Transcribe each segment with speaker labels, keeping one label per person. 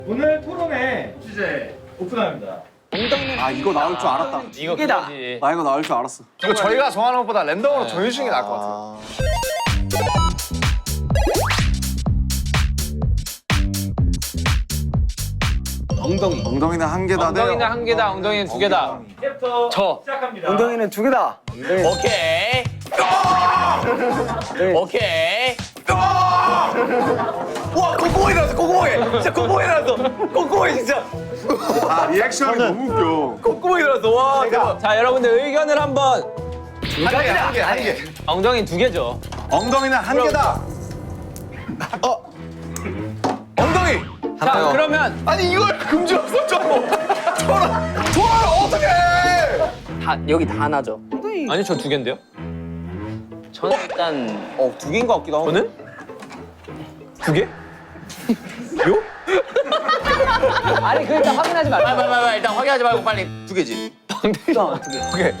Speaker 1: 오늘 토론의 주제 오픈합니다.
Speaker 2: 아 이거 나올 줄 알았다.
Speaker 3: 이거 그거지.
Speaker 2: 나 이거 나올 줄 알았어.
Speaker 4: 이거 저희가 정하는 것보다 랜덤으로 정해주시는 게 나을 것 같아요.
Speaker 2: 엉덩이는 한 개다.
Speaker 3: 엉덩이는 한 개다, 엉덩이는 두 개다.
Speaker 1: 이제부터
Speaker 3: 저.
Speaker 1: 시작합니다.
Speaker 5: 엉덩이는 두 개다.
Speaker 3: 오케이. 오케이.
Speaker 4: 와, 콧구멍이 나왔어, 콧구멍에. 진짜 콧구멍이 나왔어. 콧구멍이 진짜.
Speaker 2: 아 리액션이 너무 웃겨.
Speaker 4: 콧구멍이 나왔어. 와, 대박.
Speaker 3: 자, 여러분들 의견을 한번.
Speaker 4: 한 개.
Speaker 3: 엉덩이 두 개죠.
Speaker 2: 엉덩이는 한 개다.
Speaker 4: 엉덩이.
Speaker 3: 자, 그러면
Speaker 4: 아니, 이걸 금지였어, 저런 어떡해.
Speaker 5: 여기 다 하나죠.
Speaker 3: 아니 저 두 개인데요?
Speaker 5: 저는 일단
Speaker 2: 두 개인 것 같기도 하고.
Speaker 3: 저는 두 개?
Speaker 5: 아니 그 일단 확인하지 말고.
Speaker 3: 빨리 일단 확인하지 말고 빨리.
Speaker 4: 두 개지.
Speaker 3: 빵댕이.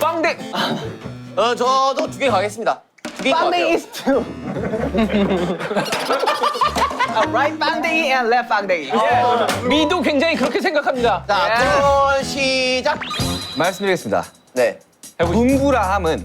Speaker 5: 저도 두 개 가겠습니다. 두 개인 것 같아요.
Speaker 6: Bangdang is two. Right bangdang and left bangdang.
Speaker 3: 미도 굉장히 그렇게 생각합니다.
Speaker 5: 자, 토론 시작.
Speaker 7: 말씀드리겠습니다.
Speaker 5: 네.
Speaker 7: 둔부라 함은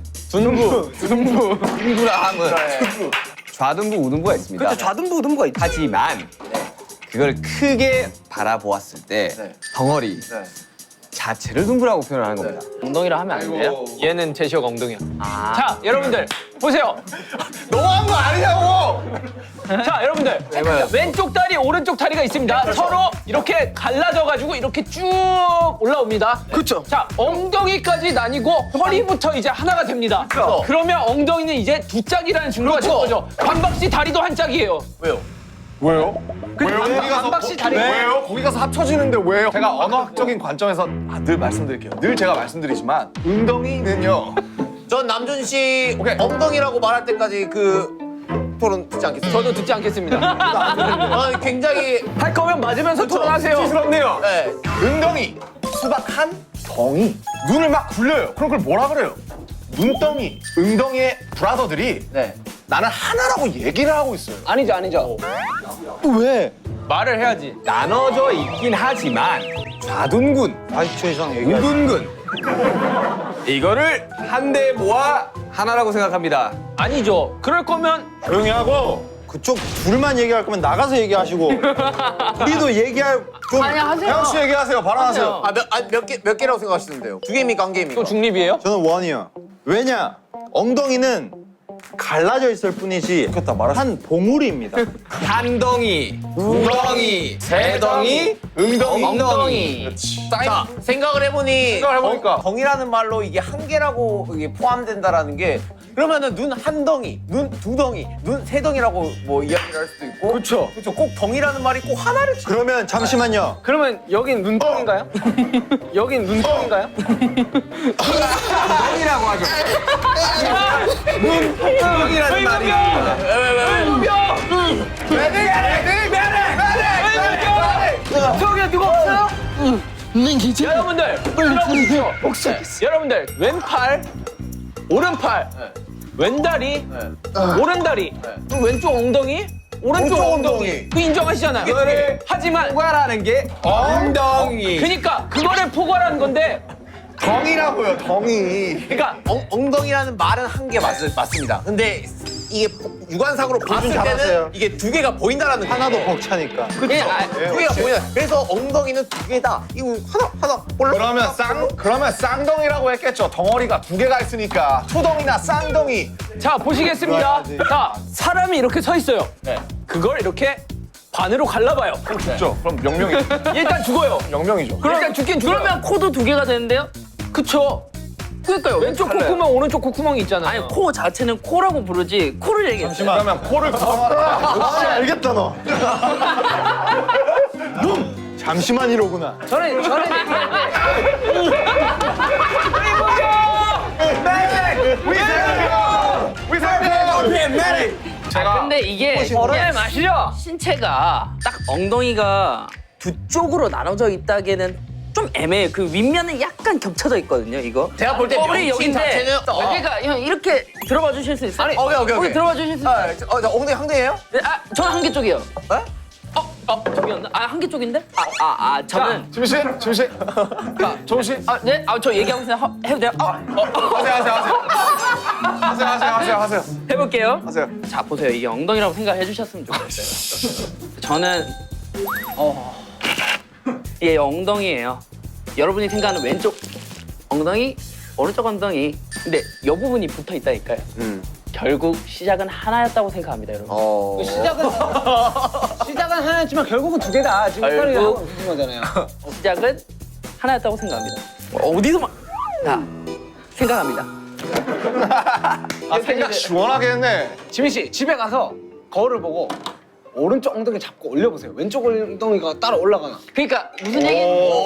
Speaker 7: 둔부라 함은 좌둔부 우둔부가 있습니다.
Speaker 6: 그렇죠. 좌둔부 우둔부가 있죠.
Speaker 7: 하지만 그걸 크게 바라보았을 때 덩어리 자체를 둔부라고 표현하는 겁니다.
Speaker 5: 엉덩이라 하면 안 돼요?
Speaker 3: 얘는 제시어가 엉덩이야. 자, 여러분들 보세요.
Speaker 4: 너무한 거 아니냐고.
Speaker 3: 자, 여러분들 왼쪽 다리, 오른쪽 다리가 있습니다. 서로 이렇게 갈라져가지고 이렇게 쭉 올라옵니다.
Speaker 6: 그렇죠.
Speaker 3: 자, 엉덩이까지 나뉘고 허리부터 이제 하나가 됩니다. 그러면 엉덩이는 이제 두 짝이라는 증거가 된 거죠. 반박씨 다리도 한 짝이에요.
Speaker 4: 왜요?
Speaker 3: 반박씨 다리.
Speaker 4: 왜요? 거기 가서 합쳐지는데 왜요? 제가 언어학적인 관점에서 늘 말씀드릴게요. 늘 제가 말씀드리지만 엉덩이는요.
Speaker 5: 전 남준 씨
Speaker 4: 오케이.
Speaker 5: 엉덩이라고 말할 때까지 그 토론 듣지 않겠습니다.
Speaker 3: 저도 듣지 않겠습니다.
Speaker 5: 저는 굉장히
Speaker 3: 할 거면 맞으면서 토론하세요.
Speaker 4: 수치스럽네요.
Speaker 5: 네.
Speaker 4: 엉덩이, 수박 한 덩이. 눈을 막 굴려요. 그럼 그걸 뭐라 그래요? 눈덩이, 엉덩이의 브라더들이
Speaker 5: 네.
Speaker 4: 나는 하나라고 얘기를 하고 있어요.
Speaker 5: 아니죠.
Speaker 3: 말을 해야지.
Speaker 7: 나눠져 있긴 하지만 좌둔군,
Speaker 2: 40초 이상 얘기.
Speaker 7: 우둔군 이거를 한데 모아 하나라고 생각합니다.
Speaker 3: 아니죠. 그럴 거면
Speaker 2: 조용히 하고 그쪽 둘만 얘기할 거면 나가서 얘기하시고 우리도 얘기할 좀.
Speaker 5: 아니 하세요.
Speaker 4: 혜영 씨 얘기하세요. 발언하세요.
Speaker 5: 몇 개라고 생각하시는데요? 두 개입니까 한 개입니까?
Speaker 3: 또 중립이에요?
Speaker 2: 저는 원이요. 왜냐? 엉덩이는 갈라져 있을 뿐이지 한 봉우리입니다.
Speaker 7: 한 덩이, 두 덩이, 세 덩이, 엉덩이.
Speaker 5: 자, 생각을 해보니
Speaker 4: 해보니까.
Speaker 5: 덩이라는 말로 이게 한 개라고 이게 포함된다라는 게 그러면은 눈 한 덩이, 눈 두 덩이, 눈 세 덩이라고 뭐 이야기를 할 수도 있고
Speaker 2: 그렇죠.
Speaker 5: 그렇죠. 꼭 덩이라는 말이 꼭 하나를
Speaker 2: 그러면 잠시만요.
Speaker 6: 그러면 여긴 눈덩인가요? 여긴 눈덩인가요?
Speaker 7: 덩이라고 하죠. 덩이라는 말이
Speaker 6: 저기 누가 없어요?
Speaker 3: 여러분들 들어보십시오. 여러분들 왼팔, 오른팔, 왼다리, 오른다리, 그리고 왼쪽 엉덩이, 오른쪽 엉덩이. 그 인정하시잖아요.
Speaker 7: 그거를
Speaker 3: 하지만
Speaker 7: 포괄하는 게 엉덩이.
Speaker 3: 그러니까 그거를 포괄하는 건데
Speaker 4: 덩이라고요, 덩이.
Speaker 3: 그러니까
Speaker 5: 엉덩이라는 말은 한 개 맞습니다. 근데 이게 유관상으로 봤을 때는
Speaker 2: 잘하세요.
Speaker 5: 이게 두 개가 보인다라는
Speaker 2: 하나도
Speaker 5: 거예요.
Speaker 2: 벅차니까.
Speaker 5: 두 개가 보인다. 그래서 엉덩이는 두 개다. 이거 하나 올라.
Speaker 4: 그러면 쌍덩이라고 했겠죠. 덩어리가 두 개가 있으니까. 투덩이나 쌍덩이.
Speaker 3: 자 보시겠습니다. 자 사람이 이렇게 서 있어요. 그걸 이렇게 반으로 갈라봐요.
Speaker 4: 그렇죠. 그럼 명명이죠.
Speaker 3: 일단 죽어요.
Speaker 4: 명명이죠.
Speaker 3: 일단 죽긴 죽어요.
Speaker 8: 그러면 코도 두 개가 되는데요?
Speaker 3: 그쵸. 그러니까요. 왼쪽 콧구멍, 오른쪽 콧구멍이 있잖아요.
Speaker 8: 아니 코 자체는 코라고 부르지 코를 얘기했어요.
Speaker 4: 그러면 코를 구성하라.
Speaker 2: 역시 알겠다 너. 잠시만 이러구나.
Speaker 6: 저는
Speaker 8: 근데 이게
Speaker 3: 얼음의 맛이죠?
Speaker 8: 신체가 딱 엉덩이가 두 쪽으로 나눠져 있다기에는 좀 애매해. 그 윗면은 약간 겹쳐져 있거든요. 이거.
Speaker 5: 제가 볼때
Speaker 8: 뼈리
Speaker 5: 명칭
Speaker 8: 여기인데.
Speaker 5: 자체는
Speaker 8: 그러니까 형 이렇게 들어봐 주실 수 있어요?
Speaker 5: 오케이.
Speaker 8: 여기 들어봐 주실 수 있어요?
Speaker 5: 저 엉덩이 한 개예요?
Speaker 8: 네, 저는 한 개 쪽이요. 저기였나? 아, 한 개 쪽인데? 저는.
Speaker 4: 지민 씨, 지민 씨. 자, 조은 씨.
Speaker 8: 네? 저 얘기하고 있어요. 해도 돼요?
Speaker 4: 하세요.
Speaker 8: 해볼게요.
Speaker 4: 하세요.
Speaker 8: 자, 보세요. 이게 엉덩이라고 생각해 주셨으면 좋겠어요. 저는, 이게 엉덩이예요. 여러분이 생각하는 왼쪽 엉덩이, 오른쪽 엉덩이. 근데 이 부분이 붙어 있다니까요. 결국 시작은 하나였다고 생각합니다, 여러분.
Speaker 6: 시작은 하나였지만 결국은 두 개다. 지금
Speaker 8: 결국-
Speaker 6: 헷갈리게 하고 있는 거잖아요.
Speaker 8: 시작은 하나였다고 생각합니다. 어디서만 생각합니다.
Speaker 4: 생각 시원하게 했네.
Speaker 6: 지민 씨 집에 가서 거울을 보고 오른쪽 엉덩이 잡고 올려보세요. 왼쪽 엉덩이가 따라 올라가나.
Speaker 8: 그러니까 무슨 얘기?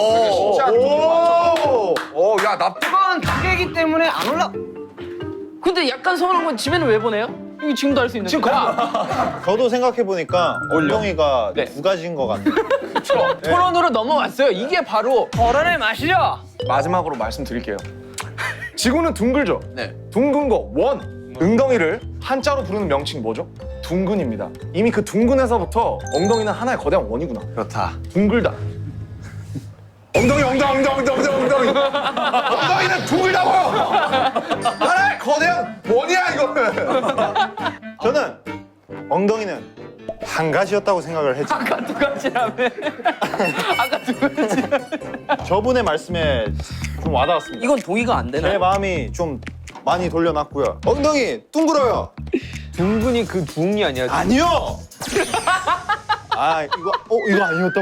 Speaker 4: 야, 나
Speaker 6: 이건 두 개이기 때문에 안 올라.
Speaker 8: 근데 약간 서운한 건 집에는 왜 보내요? 이거 지금도 할 수 있는데.
Speaker 6: 지금
Speaker 2: 저도 생각해보니까 엉덩이가
Speaker 3: 네.
Speaker 2: 두 가지인 것 같아요.
Speaker 3: 토론으로 넘어왔어요. 이게 바로 토론의 맛이죠.
Speaker 4: 마지막으로 말씀드릴게요. 지구는 둥글죠?
Speaker 5: 네.
Speaker 4: 둥근 거, 원. 엉덩이를 한자로 부르는 명칭이 뭐죠? 둥근입니다. 이미 그 둥근에서부터 엉덩이는 하나의 거대한 원이구나.
Speaker 5: 그렇다.
Speaker 4: 둥글다. 엉덩이. 엉덩이는 둥글다고요! 하나의 거대한 원이야, 이거는!
Speaker 2: 저는 엉덩이는 한 가지였다고 생각을 했죠.
Speaker 3: 아까 두 가지라며. 아까 두 가지.
Speaker 2: 저분의 말씀에 좀 와닿았습니다.
Speaker 8: 이건 동의가 안
Speaker 2: 제
Speaker 8: 되나요?
Speaker 2: 마음이 좀 많이 돌려놨고요. 엉덩이 둥글어요.
Speaker 6: 둥근이 그 둥이 아니야.
Speaker 2: 아니요. 이거 아니었다고?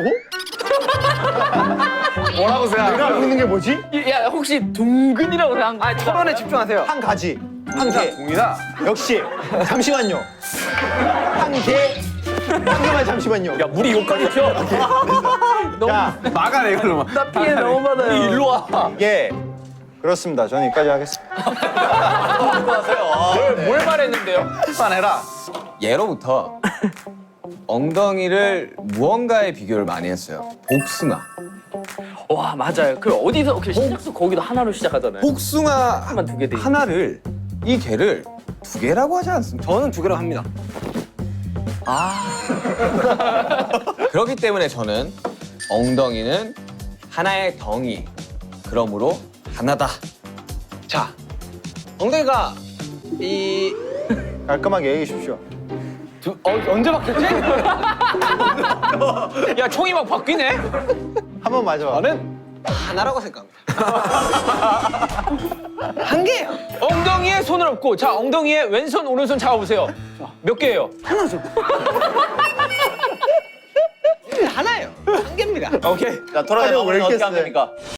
Speaker 4: 뭐라고 생각해?
Speaker 2: 내가 알고 있는 게 뭐지?
Speaker 3: 야, 혹시 둥근이라고 생각한 거?
Speaker 6: 토론에 집중하세요.
Speaker 2: 한 가지. 한
Speaker 4: 자,
Speaker 2: 개.
Speaker 4: 동이다.
Speaker 2: 역시. 잠시만요. 한 개. 한 개만 잠시만요.
Speaker 3: 야, 물이 욕까지 튀어.
Speaker 2: 자,
Speaker 4: 막아내, 이걸로.
Speaker 8: 나 피해 너무 받아요.
Speaker 3: 일로 와.
Speaker 2: 이게 그렇습니다. 저는 여기까지 하겠습니다.
Speaker 3: 뭘 말했는데요?
Speaker 7: 해라. 예로부터 엉덩이를 무언가에 비교를 많이 했어요. 복숭아.
Speaker 8: 와, 맞아요. 그 어디서 그 시작도 거기도 하나로 시작하잖아요.
Speaker 7: 복숭아
Speaker 8: 하나만 두 개 돼.
Speaker 7: 하나를 이 개를 두 개라고 하지 않습니까?
Speaker 6: 저는 두 개로 합니다.
Speaker 7: 그렇기 때문에 저는 엉덩이는 하나의 덩이. 그러므로 하나다.
Speaker 6: 자, 엉덩이가 이
Speaker 2: 깔끔하게 얘기해 주십시오.
Speaker 6: 언제 바뀌었지?
Speaker 3: 야, 총이 막 바뀌네?
Speaker 2: 한 번 맞아.
Speaker 6: 저는 하나라고 생각합니다. 한 개예요.
Speaker 3: 엉덩이에 손을 얹고, 자, 엉덩이에 왼손, 오른손 잡아보세요. 몇 개예요?
Speaker 6: 하나죠. 하나예요. 한 개입니다.
Speaker 3: 오케이.
Speaker 5: 자, 토론의
Speaker 2: 아니, 왜
Speaker 5: 마무리는
Speaker 2: 이렇게
Speaker 5: 어떻게 하면
Speaker 2: 세?
Speaker 5: 됩니까?